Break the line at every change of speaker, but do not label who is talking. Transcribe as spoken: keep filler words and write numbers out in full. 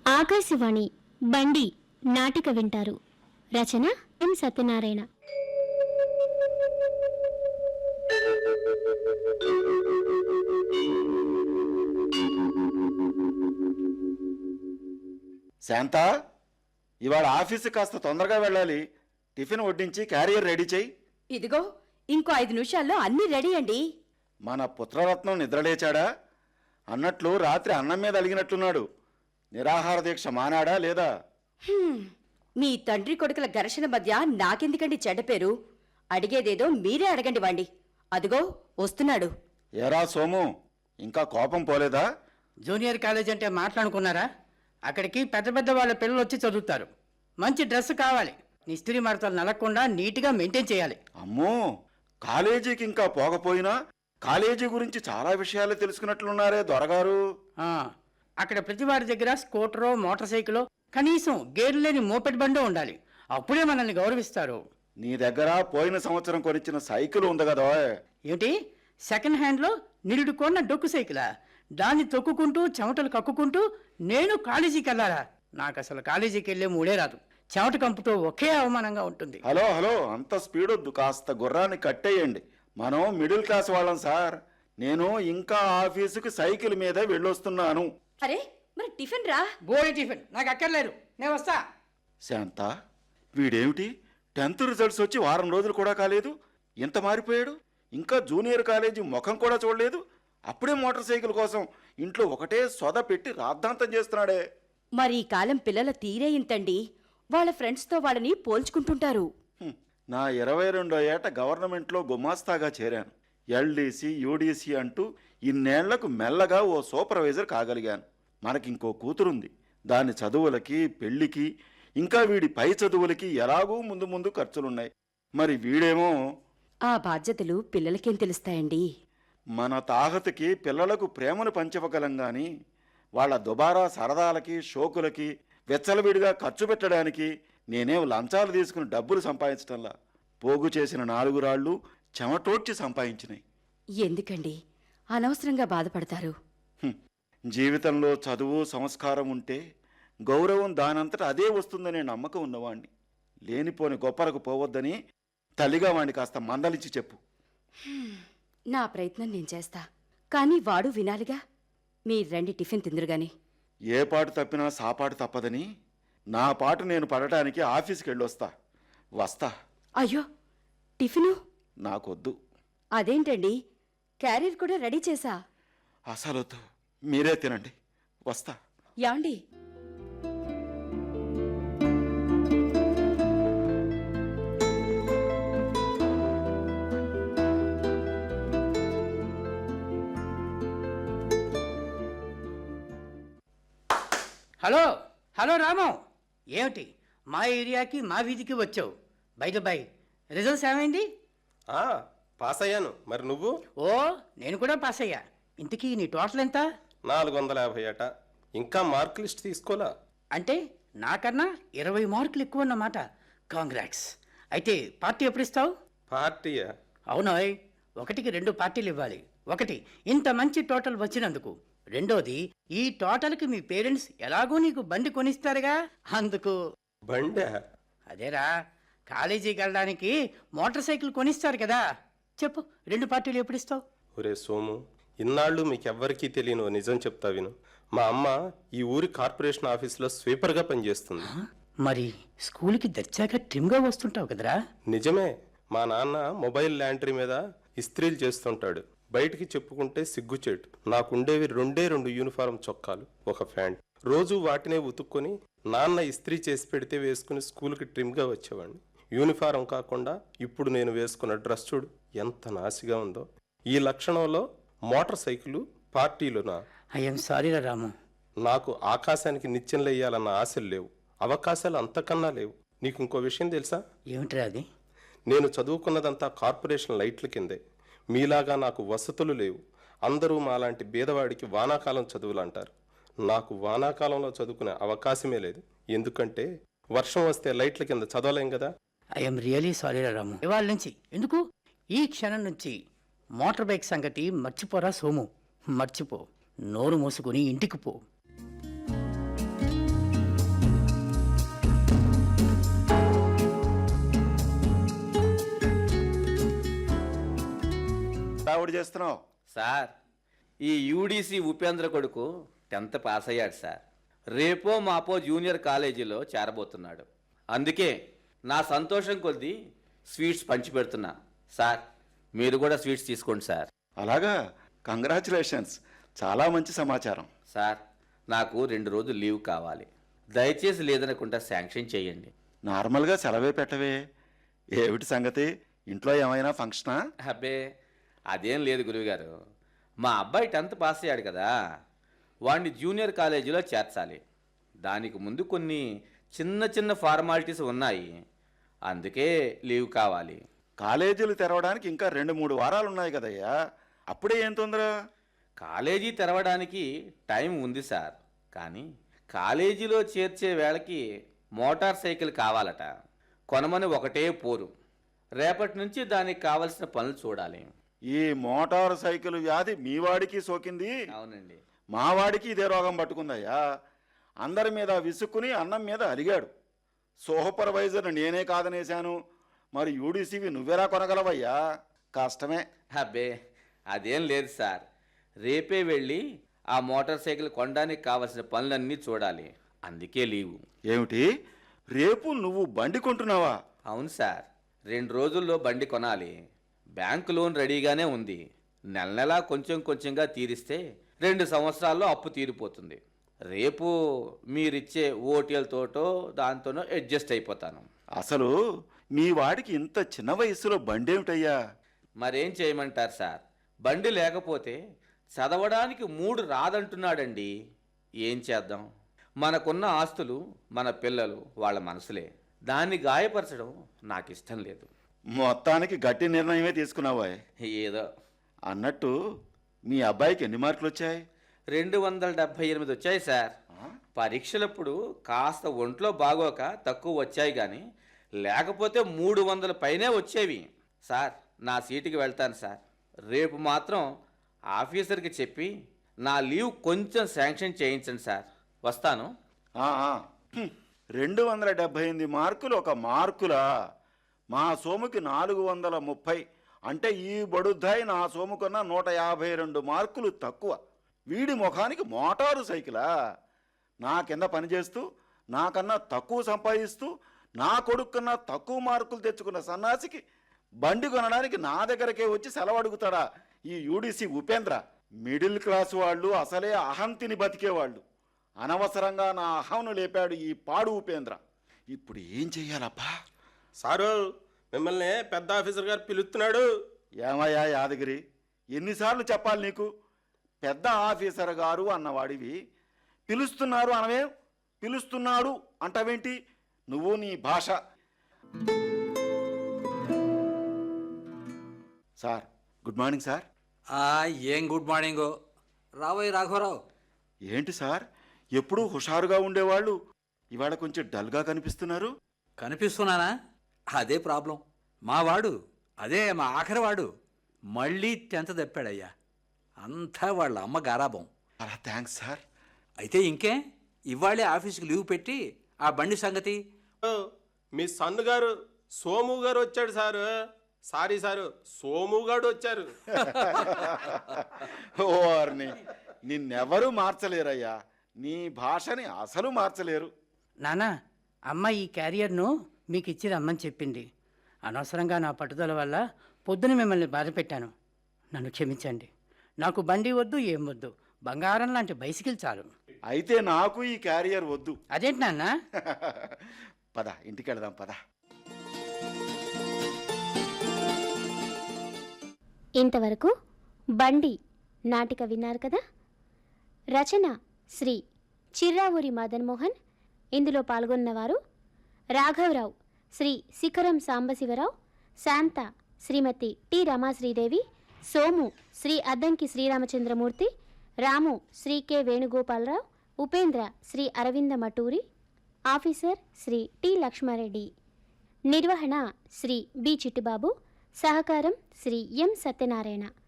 ఆకాశవాణి బండి నాటిక వింటారు. రచన ఎం సత్యనారాయణ.
శాంతా, ఇవాళ ఆఫీసు కాస్త తొందరగా వెళ్ళాలి. టిఫిన్ వడ్డించి క్యారియర్ రెడీ చేయి.
ఇదిగో ఇంకో ఐదు నిమిషాల్లో అన్నీ రెడీ అండి.
మన పుత్రరత్నం నిద్రలేచాడా? అన్నట్లు రాత్రి అన్నం మీద అలిగినట్లున్నాడు. నిరాహార దీక్ష మానాడా లేదా?
మీ తండ్రి కొడుకుల ఘర్షణ మధ్య నాకెందుకండి చెడ్డ పేరు? అడిగేదేదో మీరే అడగండి వాండి. అదిగో వస్తున్నాడు.
ఏరా సోము, ఇంకా కోపం పోలేదా?
జూనియర్ కాలేజ్ అంటే మాట్లాడుకున్నారా? అక్కడికి పెద్ద పెద్ద వాళ్ళ పిల్లలు వచ్చి చదువుతారు. మంచి డ్రెస్ కావాలి, నిస్త్రీ మడతలు నలగకుండా నీట్గా మెయింటైన్ చేయాలి.
అమ్మో, కాలేజీకి ఇంకా పోకపోయినా కాలేజీ గురించి చాలా విషయాలు తెలుసుకున్నట్లున్నారే దొరగారు.
అక్కడ ప్రతి వారి దగ్గర స్కూటరో మోటార్ సైకిలో కనీసం గేర్లు లేని మోపెడ్ బండో ఉండాలి. అప్పుడే మనల్ని గౌరవిస్తారు.
నీ దగ్గర పోయిన సంవత్సరం కొనిచ్చిన సైకిల్ ఉంది కదా?
ఏమిటి, సెకండ్ హ్యాండ్లో నిరుడు కొన్న డొక్కు సైకిలా? దాన్ని తొక్కుకుంటూ చెమటలు కక్కుకుంటూ నేను కాలేజీకి వెళ్ళాలా? నాకు అసలు కాలేజీకి వెళ్ళే మూడే రాదు. చెమట కంపుతో ఒకే అవమానంగా ఉంటుంది.
హలో హలో, అంత స్పీడ్ వద్దు, కాస్త గుర్రాన్ని కట్టేయండి. మనం మిడిల్ క్లాస్ వాళ్ళం సార్. నేను ఇంకా ఆఫీసుకి సైకిల్ మీద వెళ్ళొస్తున్నాను.
అరే మరి టిఫిన్ రా.
బోడి టిఫిన్ నాకు అక్కర్లేదు, నేను వస్తా.
శాంత, వీడేమిటి టెన్త్ రిజల్ట్స్ వచ్చి వారం రోజులు కూడా కాలేదు, ఇంత మారిపోయాడు. ఇంకా జూనియర్ కాలేజీ ముఖం కూడా చూడలేదు, అప్పుడే మోటార్ సైకిల్ కోసం ఇంట్లో ఒకటే సొద పెట్టి రాద్ధాంతం చేస్తున్నాడే.
మరి ఈ కాలం పిల్లల తీరే ఇంతండి. వాళ్ళ ఫ్రెండ్స్తో వాళ్ళని పోల్చుకుంటుంటారు.
నా ఇరవై రెండో ఏట గవర్నమెంట్లో గుమాస్తాగా చేరాను. ఎల్డీసీ యూడీసీ అంటూ ఇన్నేళ్లకు మెల్లగా ఓ సూపర్వైజర్ కాగలిగాను. మనకింకో కూతురుంది. దాని చదువులకి పెళ్లికి ఇంకా వీడి పై చదువులకి ఎలాగూ ముందు ముందు ఖర్చులున్నాయి. మరి వీడేమో.
ఆ బాధ్యతలు పిల్లలకేం తెలుస్తాయండి?
మన తాహతకి పిల్లలకు ప్రేమను పంచివ్వగలం గాని వాళ్ళ దుబారా సరదాలకి షోకులకి వెచ్చలవిడిగా ఖర్చు పెట్టడానికి నేనేం లంచాలు తీసుకుని డబ్బులు సంపాదించటంలా. పోగు చేసిన నాలుగు రాళ్లు చెమటోడ్చి సంపాదించినాయి.
ఎందుకండి అనవసరంగా బాధపడతారు?
జీవితంలో చదువు సంస్కారం ఉంటే గౌరవం దానంతట అదే వస్తుందనే నమ్మకం ఉన్నవాణ్ణి. లేనిపోని గొప్పలకు పోవద్దని తల్లిగా వాణ్ణి కాస్త మందలించి చెప్పు.
నా ప్రయత్నం నేను చేస్తా, కానీ వాడు వినాలిగా. మీరు రండి, టిఫిన్ తిందురుగాని.
ఏ పాటు తప్పినా సాపాటు తప్పదని నా పాటు నేను పడటానికి ఆఫీస్కి వెళ్ళొస్తా. వస్తా.
అయ్యో, టిఫిను
నాకొద్దు.
అదేంటండి, క్యారియర్ కూడా రెడీ చేసా.
అసలొద్దు, మీరే తినండి. వస్తా.
యాండి,
హలో హలో రామం, ఏమిటి మా ఏరియాకి మా వీధికి వచ్చావు? బయట బై రిజల్ట్స్ ఏమైంది?
పాస్ అయ్యాను. మరి నువ్వు?
ఓ, నేను కూడా పాస్ అయ్యా. ఇంతకీ నీ టోటల్ ఎంత?
నాలుగు వందల యాభై అట. ఇంకా మార్క్ లిస్ట్ తీసుకోలా?
అంటే నాకన్నా ఇరవై మార్కులు ఎక్కువ అన్నమాట. కాంగ్రాట్స్. అయితే పార్టీ ఎప్పుడు ఇస్తావు?
పార్టీయా?
అవునాయ్, ఒకటికి రెండు పార్టీలు ఇవ్వాలి. ఒకటి ఇంత మంచి టోటల్ వచ్చినందుకు, రెండోది ఈ టోటల్కి మీ పేరెంట్స్ ఎలాగో నీకు బండి కొనిస్తారుగా, అందుకు.
బండా?
అదేరా, కాలేజీకి వెళ్ళడానికి మోటార్ సైకిల్ కొనిస్తారు కదా. చెప్పు, రెండు పార్టీలు ఎప్పుడు ఇస్తావు?
ఒరే సోము, ఇన్నాళ్ళు మీకెవ్వరికీ తెలియను నిజం చెప్తా విను. మా అమ్మ ఈ ఊరి కార్పొరేషన్ ఆఫీసులో స్వీపర్గా పనిచేస్తుంది.
మరి స్కూల్కి దర్చాక ట్రిమ్గా వస్తుంటావు కదరా?
నిజమే. మా నాన్న మొబైల్ ల్యాంట్రీ మీద ఇస్త్రీలు చేస్తుంటాడు. బయటికి చెప్పుకుంటే సిగ్గుచేటు. నాకుండేవి రెండే రెండు యూనిఫారం చొక్కాలు, ఒక ప్యాంట్. రోజు వాటినే ఉతుక్కొని నాన్న ఇస్త్రీ చేసి పెడితే వేసుకుని స్కూల్కి ట్రిమ్గా వచ్చేవాడిని. యూనిఫారం కాకుండా ఇప్పుడు నేను వేసుకున్న డ్రెస్ చూడు ఎంత నాసిగా ఉందో. ఈ లక్షణంలో మోటార్ సైకిల్ పార్టీలునా?
ఐఎమ్ సారీ రా రాము.
నాకు ఆకాశానికి నిత్యంలో వేయాలన్న ఆశలు లేవు, అవకాశాలు అంతకన్నా లేవు. నీకు ఇంకో విషయం తెలుసా?
ఏమిట్రా అది?
నేను చదువుకున్నదంతా కార్పొరేషన్ లైట్ల కిందే. మీలాగా నాకు వసతులు లేవు. అందరూ మాలాంటి బీదవాడికి వానాకాలం చదువులు అంటారు. నాకు వానాకాలంలో చదువుకునే అవకాశమే లేదు. ఎందుకంటే వర్షం వస్తే లైట్ల కింద చదవలేం కదా.
I'm really sorry Ramu. ఇవాళ నుంచి, ఎందుకు ఈ క్షణం నుంచి మోటార్ బైక్ సంగతి మర్చిపోరా సోము. మర్చిపో, నోరు మూసుకుని ఇంటికి పో.
హడావుడి చేస్తున్నావు?
సార్, ఈ యూడీసీ ఉపేంద్ర కొడుకు టెన్త్ పాస్ అయ్యాడు సార్. రేపో మాపో జూనియర్ కాలేజీలో చేరబోతున్నాడు. అందుకే నా సంతోషం కొద్దీ స్వీట్స్ పంచి పెడుతున్నా. సార్, మీరు కూడా స్వీట్స్ తీసుకోండి సార్.
అలాగా, కంగ్రాచులేషన్స్, చాలా మంచి సమాచారం.
సార్, నాకు రెండు రోజులు లీవ్ కావాలి. దయచేసి లేదనకుండా శాంక్షన్ చేయండి.
నార్మల్గా సెలవే పెట్టవే. ఏమిటి సంగతి? ఇంట్లో ఏమైనా ఫంక్షనా?
అబ్బే, అదేం లేదు గురువుగారు. మా అబ్బాయి టెన్త్ పాస్ అయ్యాడు కదా, వాడిని జూనియర్ కాలేజీలో చేర్చాలి. దానికి ముందు కొన్ని చిన్న చిన్న ఫార్మాలిటీస్ ఉన్నాయి. అందుకే లీవ్ కావాలి.
కాలేజీలు తెరవడానికి ఇంకా రెండు మూడు వారాలు ఉన్నాయి కదయ్యా, అప్పుడే ఏం తొందర?
కాలేజీ తెరవడానికి టైం ఉంది సార్, కానీ కాలేజీలో చేర్చే వేళకి మోటార్ సైకిల్ కావాలట. కొనమని ఒకటే పోరు. రేపటి నుంచి దానికి కావలసిన పనులు చూడాలి.
ఈ మోటార్ సైకిల్ వ్యాధి మీ వాడికి సోకింది.
అవునండి.
మా వాడికి ఇదే రోగం పట్టుకుందయ్యా. అందరి మీద విసుక్కుని అన్నం మీద అలిగాడు. సూపర్వైజర్ నేనే కాదనేశాను, మరి యూడీసీవి నువ్వెలా కొనగలవయ్యా? కష్టమే.
అబ్బే, అదేం లేదు సార్. రేపే వెళ్ళి ఆ మోటార్ సైకిల్ కొనడానికి కావలసిన పనులన్నీ చూడాలి. అందుకే లీవు.
ఏమిటి, రేపు నువ్వు బండి కొంటున్నావా?
అవును సార్, రెండు రోజుల్లో బండి కొనాలి. బ్యాంకు లోన్ రెడీగానే ఉంది. నెల నెలా కొంచెం కొంచెంగా తీరిస్తే రెండు సంవత్సరాల్లో అప్పు తీరిపోతుంది. రేపు మీరిచ్చే ఓటీఎల్తోటో దాంతోనో అడ్జస్ట్ అయిపోతాను.
అసలు మీ వాడికి ఇంత చిన్న వయసులో బండి ఏమిటయ్యా?
మరేం చేయమంటారు సార్, బండి లేకపోతే చదవడానికి మూడు రాదంటున్నాడండి. ఏం చేద్దాం? మనకున్న ఆస్తులు మన పిల్లలు, వాళ్ళ మనసులే. దాన్ని గాయపరచడం నాకు ఇష్టం లేదు.
మొత్తానికి గట్టి నిర్ణయమే తీసుకున్నావా?
ఏదో.
అన్నట్టు మీ అబ్బాయికి ఎన్ని మార్కులు వచ్చాయి?
రెండు వందల డెబ్భై ఎనిమిది వచ్చాయి సార్. పరీక్షలప్పుడు కాస్త ఒంట్లో బాగోక తక్కువ వచ్చాయి, కానీ లేకపోతే మూడు వందల పైనే వచ్చేవి. సార్, నా సీటుకి వెళ్తాను సార్. రేపు మాత్రం ఆఫీసర్కి చెప్పి నా లీవ్ కొంచెం శాంక్షన్ చేయించండి సార్. వస్తాను.
ఆ, ఆ. హ్మ్. రెండు వందల డెబ్భై ఎనిమిది మార్కులు ఒక మార్కులా? మా సోముకి నాలుగు వందల ముప్పై. అంటే ఈ బడుద్దాయి నా సోముకున్న నూట యాభై రెండు మార్కులు తక్కువ. వీడి ముఖానికి మోటారు సైకిలా? నా కింద పనిచేస్తూ నాకన్నా తక్కువ సంపాదిస్తూ నా కొడుకు కన్నా తక్కువ మార్కులు తెచ్చుకున్న సన్నాసికి బండి కొనడానికి నా దగ్గరకే వచ్చి సెలవు అడుగుతాడా ఈ యూడీసీ ఉపేంద్ర? మిడిల్ క్లాస్ వాళ్ళు అసలే అహంతిని బతికేవాళ్ళు. అనవసరంగా నా అహంను లేపాడు ఈ పాడు ఉపేంద్ర. ఇప్పుడు ఏం చెయ్యాలబ్బా?
సారు, మిమ్మల్ని పెద్ద ఆఫీసర్ గారు పిలుస్తున్నాడు.
ఏమయ్యా యాదగిరి, ఎన్నిసార్లు చెప్పాలి నీకు? పెద్ద ఆఫీసర్ గారు అన్నవాడివి పిలుస్తున్నారు అనవే, పిలుస్తున్నాడు అంటావేంటి? నువ్వు నీ భాష. Sir, good morning sir.
ఆ, ఏం గుడ్ మార్నింగో. రావోయ్ రాఘవరావు.
ఏంటి సార్, ఎప్పుడూ హుషారుగా ఉండేవాళ్ళు ఇవాళ కొంచెం డల్గా కనిపిస్తున్నారు?
కనిపిస్తున్నానా? అదే ప్రాబ్లం. మా వాడు, అదే మా ఆఖరి వాడు మళ్ళీ టెన్త్ తప్పాడయ్యా. అంతా వాళ్ళ అమ్మ గారాబం.
అలా థ్యాంక్స్ సార్.
అయితే ఇంకే, ఇవాళే ఆఫీస్కి లీవ్ పెట్టి ఆ బండి సంగతి.
ఓ, మీ సన్ను గారు సోము గారు వచ్చాడు సారు. సారీ సారు, సోము గారు వచ్చారు.
ఓర్ని, నిన్నెవరూ మార్చలేరయ్యా. నీ భాషని అసలు మార్చలేరు.
నానా, అమ్మ ఈ క్యారియర్ను మీకు ఇచ్చి రమ్మని చెప్పింది. అనవసరంగా నా పట్టుదల వల్ల పొద్దున మిమ్మల్ని బాధ పెట్టాను. నన్ను క్షమించండి. నాకు బండి వద్దు, ఏం వద్దు. బంగారం లాంటి బైసికిల్ చాలు.
అయితే నాకు ఈ క్యారియర్ వద్దు.
అదేంటి నాన్న?
పద, ఇంటికి వెళదాం పద.
ఇంతవరకు బండి నాటిక విన్నారు కదా. రచన శ్రీ చిర్రావూరి మదన్మోహన్. ఇందులో పాల్గొన్నవారు రాఘవరావు Sri Sikharam Sambasivarao, Shantha Srimati T Ramasridevi, Somu Sri Addanki Sriramachandramurthy, Ramu Sri K Venugopalarao, Upendra Sri Aravinda Maturi, officer Sri T Lakshmareddy. నిర్వహణ శ్రీ బి చిట్టిబాబు. సహకారం శ్రీ ఎం సత్యనారాయణ.